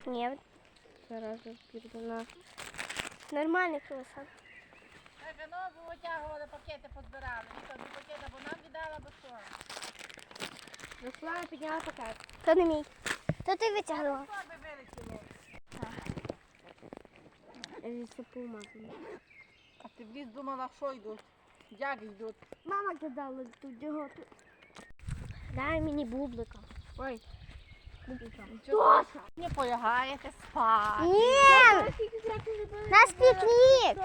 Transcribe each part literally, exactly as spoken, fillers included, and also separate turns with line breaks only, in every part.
Ні, зараз піду на нормальний круасан.
Так, ну, бо витягували пакети, позбирали. Ніхто не пакети, бо нам віддала, бо що?
Руслана підняла пакет. То не мій. То ти витягнула.
Торби вилетіло.
Це помазано.
А ти в ліс думала, що йдуть? Як йдуть?
Мама кидала тут його. Дай мені бублика. Ой.
Нічого. Не полягаєте спати.
Ні! Нас пікнік!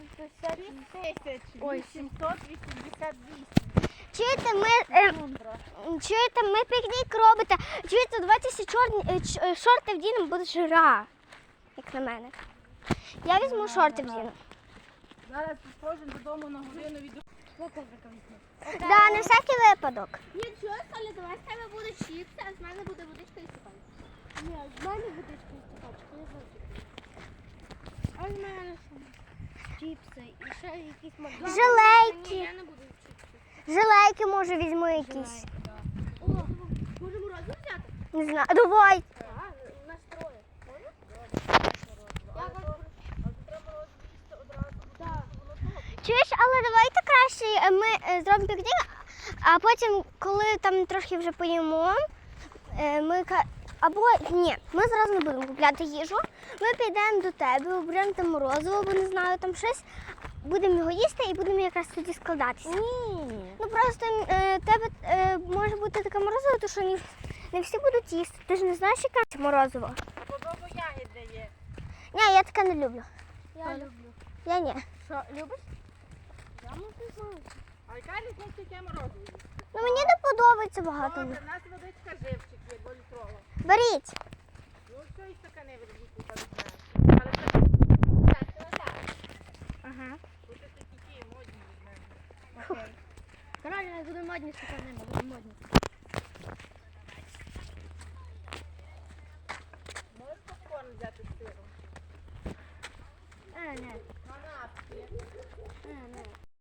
Ой, сімсот вісімдесят вісім.
Чуєте, ми, е, чуєте, ми пікнік робите. Чуєте, давайте всі чорні, е, ч- е, шорти вдінемо, буде жара. Як на мене. Я візьму шорти вдіну.
Зараз кожен додому на годину від...
Да, на всякий випадок.
Ні, що, Соля, давай з тебе буде чіпси, а з мене буде водичка і стаканчик. Ні, з мене водичка і стаканчик, я завжди. А з мене що? Чіпси і ще якісь макдональдс.
Желейки.
Ні, я не буду чіпси.
Желейки, може, візьму якісь.
О, може морозиво взяти?
Не знаю. Давай.
Так, у нас троє. Можна? Я вам... Так.
Чуєш, але давайте краще е, ми е, зробимо пікнік, а потім, коли там трохи вже поїмо, е, ми ка- або ні, ми зразу не будемо купляти їжу. Ми підемо до тебе, оберемо там морозиво, або не знаю, там щось. Будемо його їсти і будемо якраз тоді складатися.
Ні.
Ну просто е, тебе е, може бути таке морозиво, то що не, не всі будуть їсти. Ти ж не знаєш, яке це морозиво?
Подобу ягідне є.
Ні, я таке не люблю.
Я люблю.
Я ні.
Що, любиш?
Я можу знати.
А яка різниця, яке морозиво є?
Ну мені не подобається багато.
Добре, в нас водичка живчик є, дволітрова.
Беріть.
Ну, все і стакани верніть, там знаєш. Але це
Так, так, так.
Ага.
буде такі модні від мене.
Окей. Правильно, буде модні стакани, буде модні.